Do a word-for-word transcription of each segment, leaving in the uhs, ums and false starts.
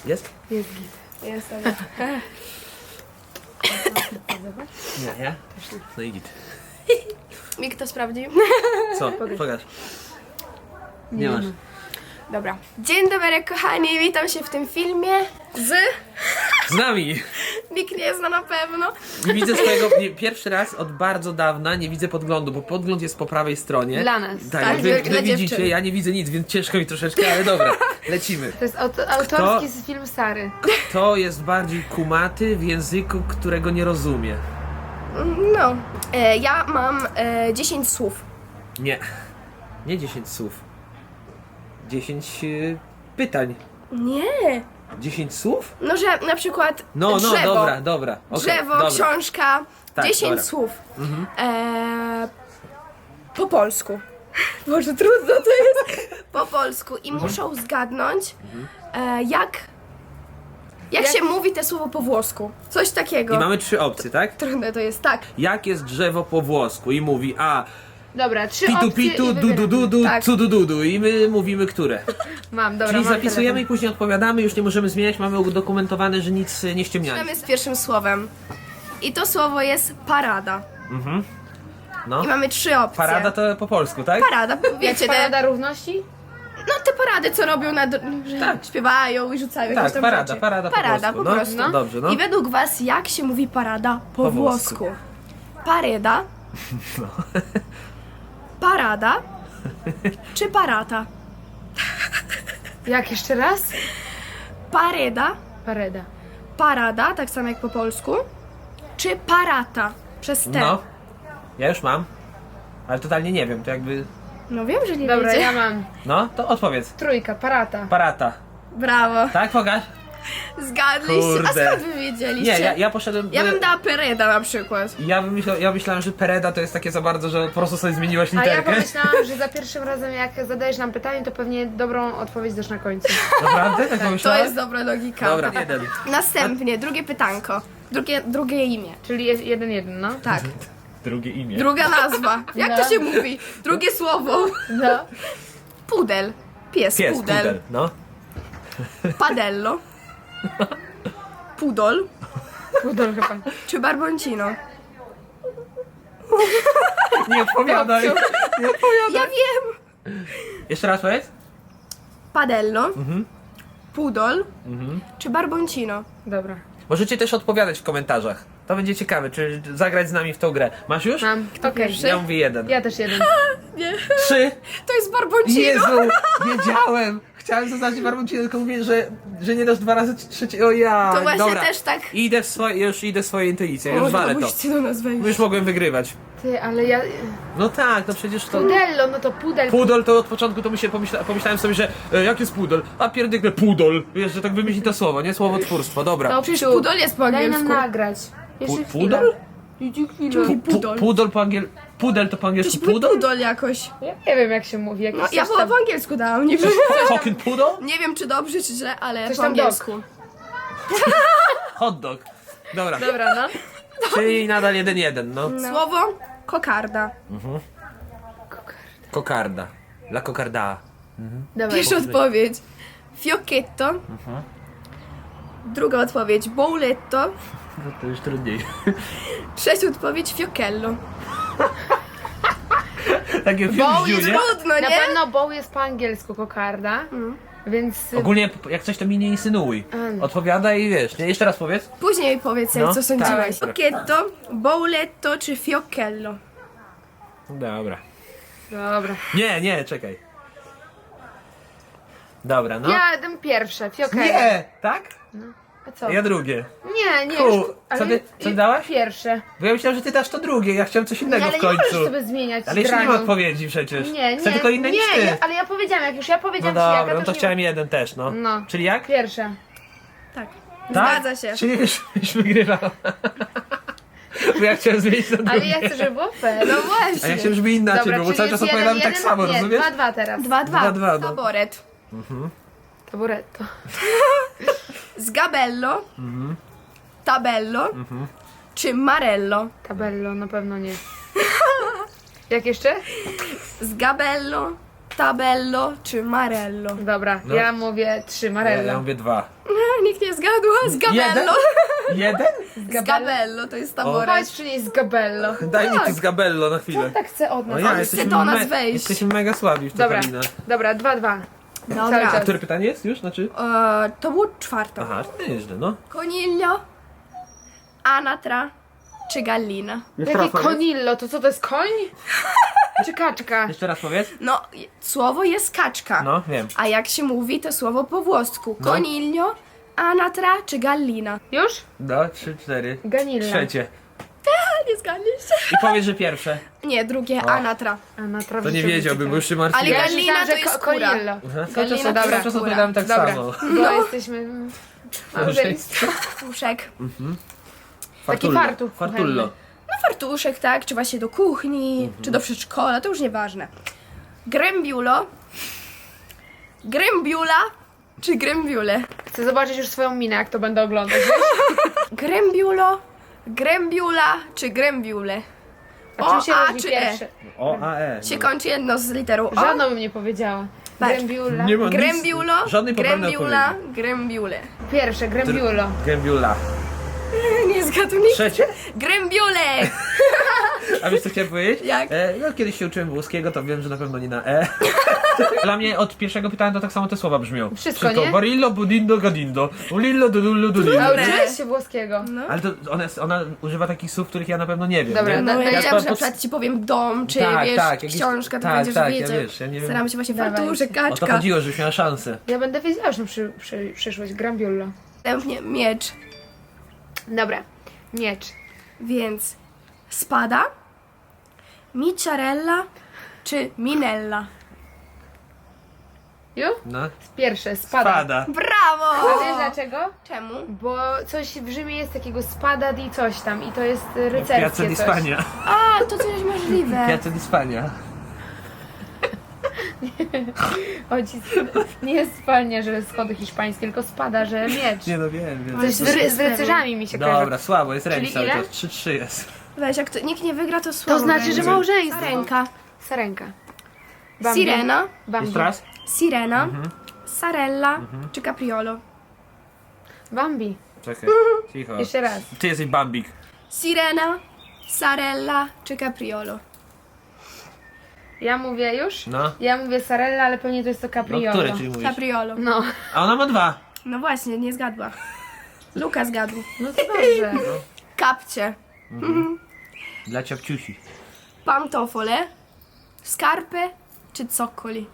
Jest? Jest git. Jest, dobra. Nie, ja? No i git. Mi kto sprawdzi? Co? Pokaż. Nie masz. Dobra. Dzień dobry kochani, witam się w tym filmie z... Z nami! Nikt nie zna na pewno. Nie widzę swojego, nie, pierwszy raz od bardzo dawna nie widzę podglądu, bo podgląd jest po prawej stronie. Dla nas. Tak, Tak, wy, dla wy widzicie, dziewczyn. ja nie widzę nic, więc ciężko mi troszeczkę, ale dobra, lecimy. To jest auto, autorski z film Sary. Kto jest bardziej kumaty w języku, którego nie rozumie? No. E, ja mam e, dziesięć słów. Nie. Nie dziesięć słów. dziesięć y, pytań. Nie. dziesięć słów? No, że na przykład No, no, drzewo. dobra, dobra. Okay, Drzewo, dobra. książka, Tak, dziesięć dobra. słów. Mhm. E, po polsku. Boże, trudno to jest. Po polsku. I muszą zgadnąć, e, jak, jak Jak- się mówi te słowo po włosku. Coś takiego. I mamy trzy opcje, tak? Trudne to jest, tak. Jak jest drzewo po włosku? I mówi a Dobra, trzy pitu opcje pitu, i du du wybieramy. du du, Tak. cu du du du. I my mówimy które. Mam, dobra, Czyli mam zapisujemy i telefon. później odpowiadamy, już nie możemy zmieniać, mamy udokumentowane, że nic y, nie ściemniamy. Zaczynamy z pierwszym słowem. I to słowo jest parada. No. I mamy trzy opcje. Parada to po polsku, tak? Parada, wiecie, te, Parada równości? no te parady, co robią, na, dr- że Tak. śpiewają i rzucają jakieś Tak, tam parada, rzeczy. parada po Parada polsku. po No, prostu. no, dobrze, no. I według was, jak się mówi parada po, Po włosku? włosku. Pareda, parada czy parata? Jak jeszcze raz? Pareda, Pareda. parada, tak samo jak po polsku, czy parata przez T? No. Ja już mam. Ale totalnie nie wiem, to jakby... No wiem, że nie Dobra, wiecie. ja mam. No, to odpowiedz. Trójka, parata. Parata. Brawo, Tak, pokaż? zgadliście. Kurde. A skąd wy wiedzieliście? Nie, ja, ja poszedłem... Ja bym dała pereda na przykład. Ja, bym myślał, ja myślałem, że Pereda to jest takie za bardzo, że po prostu sobie zmieniłaś A ja literkę. pomyślałam, że za pierwszym razem jak zadajesz nam pytanie, to pewnie dobrą odpowiedź dasz na końcu. Naprawdę? Tak To pomyślałem? jest dobra logika. Dobra, jeden. Następnie, drugie pytanko. Drugie, drugie imię. Czyli jest jeden, jeden, no. Tak. Drugie imię. Druga nazwa. Jak No. to się mówi? Drugie słowo. No. Pudel. Pies, Pies, pudel. pudel, no. Padello. Pudol. Pudol chyba. Czy barboncino? Nie odpowiadaj. Ja wiem. Jeszcze raz powiedz? Padello. Mhm. Pudol. Czy barboncino? Dobra. Możecie też odpowiadać w komentarzach. To będzie ciekawe, czy zagrać z nami w tą grę. Masz już? Mam. Okej. pierwszy? Ja mówię jeden. Ja też jeden. Nie. Trzy. To jest barboncino. Jezu, wiedziałem. Chciałem zaznaczyć barboncino, tylko mówię, że, że nie dasz dwa razy trzeci. O ja. To właśnie Dobra. też tak. Idę w swoje, już idę w swoje intuicje, już O, walę to. musicie do nas wejść. Już mogłem wygrywać. Ty, ale ja... No tak, no przecież to... Pudello, no to pudel. Pudol to od początku to myślę, pomyśla, pomyślałem sobie, że e, jak jest pudol? A pierdykle pudol. Wiesz, że tak wymyśli to słowo, nie? Słowotwórstwo, dobra. To Przecież psiu. pudol jest po Daj nam angielsku. nagrać. Jeszcze Pu- chwilę. pudol? Idzie chwilę. Pu- Pu- pudol. Pudol po angiel... Pudel to po angielsku Pudol? pudol? Pudol jakoś. Ja nie wiem jak się mówi. Jakiś No, ja coś chyba tam- po angielsku dałam, nie wiem. Fucking pudol? Nie wiem czy dobrze czy źle, ale Coś po tam angielsku. Hot dog. Dobra, Dobra, no. czyli nadal jeden jeden, no. Słowo kokarda. Kokarda. La kokarda. Dawaj. Pierwsza odpowiedź. Fiocchetto. Druga odpowiedź. Bouletto. No to już trudniej. Trzecia odpowiedź. Fiochello. Takie Boł fiu, jest nie? Trudno, Na nie? pewno boł jest po angielsku kokarda, więc... Ogólnie jak coś to mi nie insynuuj. Mm. Odpowiadaj i wiesz. Nie, jeszcze raz powiedz. Później powiedz jak No, co sądziłeś. tak. Fiocchetto, Bouletto czy Fiochello? Dobra. Dobra. Nie, nie, czekaj. Dobra, no. Ja dam pierwsze, fiokello. Nie! Tak? A co? Ja drugie. Nie, nie. Ku, już- ale co ty- co i- dałaś? Pierwsze. Bo ja myślałem, że ty dasz to drugie, ja chciałem coś innego Nie, ale w nie końcu. możesz sobie zmieniać Ale jeszcze nie ma graną. odpowiedzi przecież. Nie, Chcę nie, tylko inne nie, niż ty. ja, ale ja powiedziałam, jak już ja No powiedziałam ci jaka, dobra, no to nie- chciałem jeden też, no. No. Czyli jak? Pierwsze. Tak. Tak? Zgadza się. Czyli już, już wygrywam. Bo ja chciałem zmienić na drugie. Ale ja chcę, żeby było fair. No A ja właśnie. chciałem, żeby inaczej Dobra, było, bo czyli cały czas jest opowiadamy jeden, tak jeden, samo, nie, rozumiesz? dwa, dwa teraz. Dwa, dwa. Dwa, dwa, no. Taboret. Taburetto. Sgabello. Mhm. Tabello. Czy Marello? Tabello, na pewno nie. Jak jeszcze? Sgabello, Tabello czy Marello? Dobra, No. ja mówię trzy, Ja, Marello. ja mówię dwa. nikt nie zgadł, z Gabello. Jeden? Z Gabello, to jest O, taboret. Powiedz, czy nie jest Gabello. Daj mi tu z Gabello na chwilę. Tak chcę od nas. No ja, On jesteśmy, chce do nas me- wejść. jesteśmy mega słabi w to, Dobra, Karina. dobra, dwa, dwa. Cały Dobra. czas. Które pytanie jest już? Znaczy? E, to było czwarte. Aha, nieźle, no. Coniglio, anatra czy gallina? Jakie konillo? To co, to jest koń? Czy kaczka? Jeszcze raz powiedz. No, je- słowo jest kaczka. No, wiem. A jak się mówi to słowo po włosku? No. Coniglio, anatra czy gallina? Już? No, trzy, cztery. Ganilla. Trzecie. A, nie zgadliście. I powiedz, że pierwsze. Nie, drugie, anatra. A na To nie wiedziałbym, bo już się martwiłem. Ale Ja Gallina myślałam, to że jest ko- skóra. konillo. Aha, cały czas, Gallina cały to czas jest odpowiadałem tak Dobra, samo. bo jesteśmy... mm, małżeństwo. Fartuszek. Taki fartuch Fartullo. No fartuszek, tak? Czy właśnie do kuchni, czy do przedszkola, to już nieważne. Grembiulo, grembiula, czy grembiule? Chcę zobaczyć już swoją minę, jak to będę oglądać. Grembiulo, grembiula, czy grembiule? A czym się O, A różni czy pierwsze? O, A, E. Się kończy jedno z literą O. Żadną bym nie powiedziała. Patrz. Grembiula. Nie ma nic- Grembiulo, żadnej poprawnej grembiula, odpowiedzi. grembiule. Pierwsze, grembiulo. Gębiula. Nie zgadł nikt. Trzecie? Grembiule! A wiesz co chciałem powiedzieć? Jak? E, no kiedyś się uczyłem włoskiego, to wiem, że na pewno nie na E. Dla mnie od pierwszego pytania to tak samo te słowa brzmią. Wszystko, nie? Barillo, budindo, gadindo. Ulillo, dudullo, A dudillo. Dobre. uczyłeś się włoskiego? No. Ale to ona, jest- ona używa takich słów, których ja na pewno nie wiem. Dobra, nie? no, No ja Ja wiedziałam, że na pod- przykład ci powiem dom, czy Tak, wiesz, tak, jakiś- książka, to tak, będziesz tak, ja wiedzieć. wiesz, ja nie wiem. Staram się właśnie Dawaj. fartuszek, O to kaczka. chodziło, żebyś miała szansę. Ja będę wiedziała, że przy, przy, przyszłość. Grembiulo. Następnie miecz, Dobra. Miecz. więc spada, miciarella, czy minella? Ju? No. Pierwsze, spada. Spada. Brawo! A wiesz dlaczego? Czemu? Bo coś w Rzymie jest takiego spada di coś tam i to jest y, Piazza rycerskie di coś. Spagna. A, to coś możliwe. Piazza di Spagna. Chodzi, nie jest spalnia, że schody hiszpańskie, tylko spada, że miecz. Nie no wiem, wiem. Coś z, ry, z rycerzami mi się kojarzy. Dobra, słabo, jest remis Czyli cały ile? czas. trzy trzy jest. Weź, jak to, nikt nie wygra, to słabo To znaczy, że będzie. małżeństwo. Sarenka. Sarenka. Bambi. Sirena, Bambi. Jeszcze raz? sirena, Mhm. sarella, czy capriolo? Bambi. Czekaj, cicho. Jeszcze raz. Ty jesteś Bambik. Sirena, sarella, czy capriolo? Ja mówię już? No. Ja mówię Sarella, ale pewnie to jest to No, Capriolo. które ci mówisz? Capriolo. No, A ona ma dwa. No właśnie, nie zgadła. Luka zgadł. no to dobrze. Kapcie, Dla ciapciusi. pantofole, skarpy, czy cokkoli?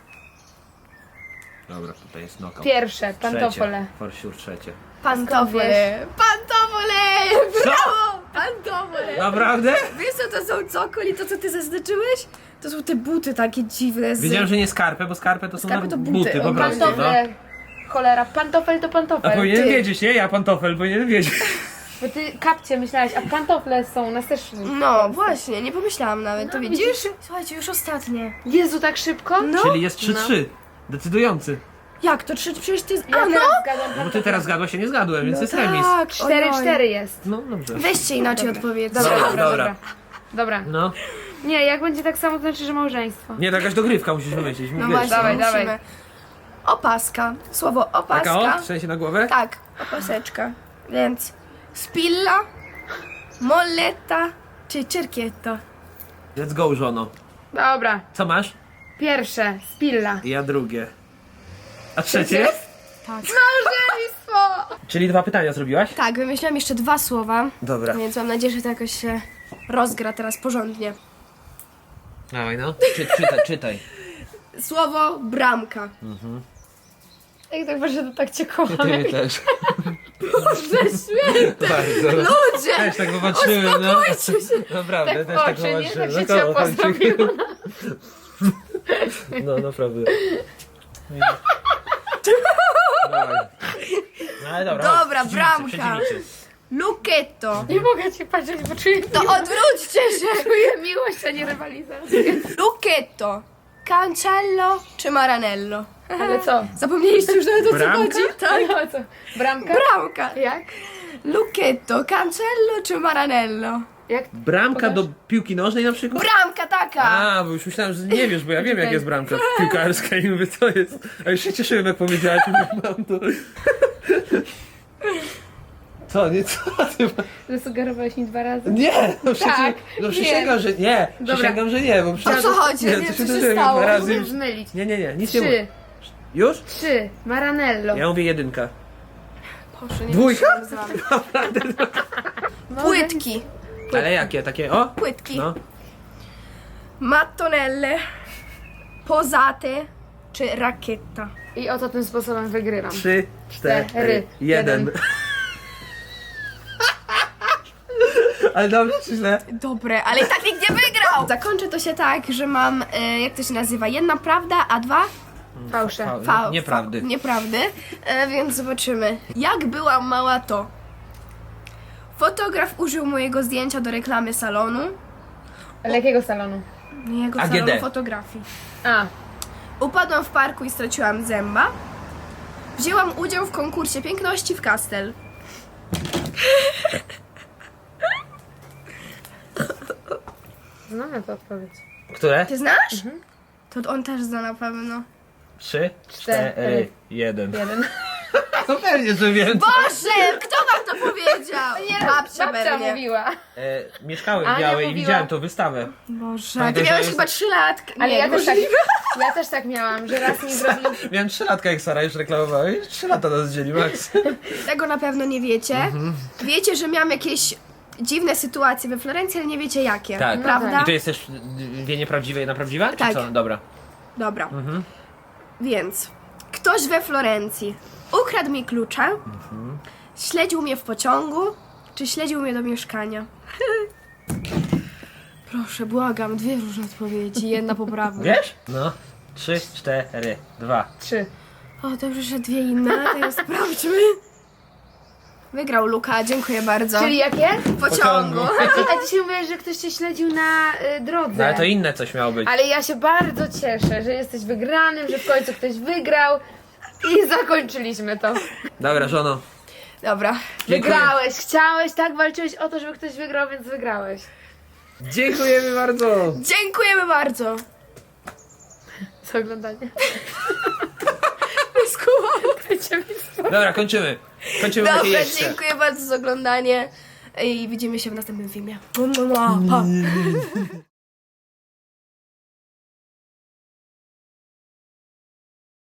Dobra, tutaj jest knockout. Pierwsze, pantofole. Trzecie. For sure, trzecie. Pantofole. Pantofole! Brawo! Pantofole! Naprawdę? Wiesz co to są cokkoli, to co ty zaznaczyłeś? To są te buty takie dziwne z... Wiedziałem, że nie skarpę, bo skarpę to są Skarpy na to buty, buty. po O, prostu. No. Pantofle. Cholera, pantofel to A pantofel. powinienem ty. wiedzieć, nie? Ja pantofel, powinienem wiedzieć. Bo ty kapcie myślałeś, a pantofle są u nas też. No właśnie, nie pomyślałam nawet, to No, widzisz? widzisz? Słuchajcie, już ostatnie. Jezu, tak szybko? No. Czyli jest trzy trzy. Decydujący. Jak to? Trzy, przecież ty... Ja A no! teraz zgadłam No bo ty pantofle. teraz zgadłaś, się nie zgadłem, więc jest remis. Tak, cztery ojoj. cztery jest. No dobrze. Weźcie inaczej odpowiedź. Dobra, Dobra, dobra, dobra. dobra. Dobra. No. Nie, jak będzie tak samo, to znaczy, że małżeństwo. Nie, to jakaś dogrywka musisz wymyślić. No wiesz, właśnie, Dawaj, musimy. dawaj. Opaska. Słowo Taka opaska. o? W sensie na głowę? Tak, opaseczka. Więc spilla, molletta czy cerchietto? Let's go, żono. Dobra. Co masz? Pierwsze, spilla. I ja drugie. A trzecie? Tak. Małżeństwo! Czyli dwa pytania zrobiłaś? Tak, wymyśliłam jeszcze dwa słowa, Dobra. więc mam nadzieję, że to jakoś się rozgra teraz porządnie. Dawaj no. Czy, czytaj, czytaj. Słowo bramka. Jak tak właśnie to tak cię kocham. Ty też. Świetnie! Bardzo. Ludzie! Też tak popatrzyłem, no. Naprawdę, Tak w też tak oczy, nie? popatrzyłem. Tak się No, ciepło kocham cię. zrobiło. No, naprawdę. Dawaj. No ale dobra. Dobra, chodź, bramka. przeciwnicy, przeciwnicy. Lucchetto. Nie mogę ci patrzeć, bo czuję, To odwróćcie się! czuję miłość, a nie rywalizację. Lucchetto. Cancello czy maranello? Ale co? Zapomnieliście już nawet o co Bramka? chodzi? Tak. No co? Bramka? Bramka. Jak? Lucchetto, cancello czy maranello? Jak? Bramka Pokaż. do piłki nożnej na przykład? Bramka taka! A, bo już myślałem, że nie wiesz, bo ja wiem jak jest bramka piłkarska i mówię, co jest. A już się cieszyłem jak powiedziałaś, mówię, mam to. Co, nie, co ty? Zasugerowałeś mi dwa razy. Nie, no przecież, Tak, no nie. przysięgam, że nie, Dobra. przysięgam, że nie, bo przecież... co chodzi? Nie, Nie, to co się się dożyłem stało? dwa razy Mogę już. zmylić. Nie, nie, nie, nic nie Trzy. mówię. Już? Trzy. Maranello. Ja mówię jedynka. Proszę, nie Dwójka? wytrzymam z wami. Płytki. Ale jakie, takie, o? Płytki. No. Mattonelle, posate czy rakieta? I oto tym sposobem wygrywam. Trzy, cztery, Cztery, jeden. jeden. Ale dobrze czy źle? Dobre, ale i tak nikt nie wygrał! Zakończę to się tak, że mam, e, jak to się nazywa, jedna prawda, a dwa Fałsze. Fa- fał. Nieprawdy. Fa- nieprawdy. E, więc zobaczymy. Jak byłam mała, to fotograf użył mojego zdjęcia do reklamy salonu. Ale jakiego salonu? Jego A G D. salonu fotografii. A. Upadłam w parku i straciłam zęba. Wzięłam udział w konkursie piękności w Kastel. Znamy tę odpowiedź. Które? Ty znasz? To on też zna na pewno. Trzy, Cztery, cztery, jeden. Jeden. No pewnie, że wiem. Boże, kto wam to powiedział? Babcia Babcia pewnie. mówiła. E, mieszkałem w Ania Białej i mówiła- widziałem tą wystawę. Boże, Pamiętaj, ty że miałeś jest- chyba trzy lat. Ale Nie, ja też, tak, możliwe. ja też tak miałam, że raz mi zrobił... Miałem trzy latka, jak Sara już reklamowała i trzy lata nas dzieli, Max. Tego na pewno nie wiecie. Wiecie, że miałam jakieś dziwne sytuacje we Florencji, ale nie wiecie jakie. Tak. Prawda? I to jest też dwie nieprawdziwe i jedna prawdziwa? Czy Tak. co? Dobra. Dobra. Więc ktoś we Florencji ukradł mi klucze, śledził mnie w pociągu, czy śledził mnie do mieszkania? Proszę, błagam, dwie różne odpowiedzi, jedna poprawna. Wiesz? No. Trzy, cztery, dwa. Trzy. O, dobrze, że dwie inne, to jest sprawdźmy. Wygrał Luka, dziękuję bardzo. Czyli jakie? w pociągu. pociągu. A dzisiaj mówiłeś, że ktoś cię śledził na y, drodze. No ale to inne coś miało być. Ale ja się bardzo cieszę, że jesteś wygranym, że w końcu ktoś wygrał i zakończyliśmy to. Dobra, żono. Dobra. Dziękuję. Wygrałeś, chciałeś, tak walczyłeś o to, żeby ktoś wygrał, więc wygrałeś. Dziękujemy bardzo. Dziękujemy bardzo. Za oglądanie. Skumam. Dobra, kończymy. Kończymy Dobra, Dobra, jeszcze. dziękuję bardzo za oglądanie i widzimy się w następnym filmie. Pa.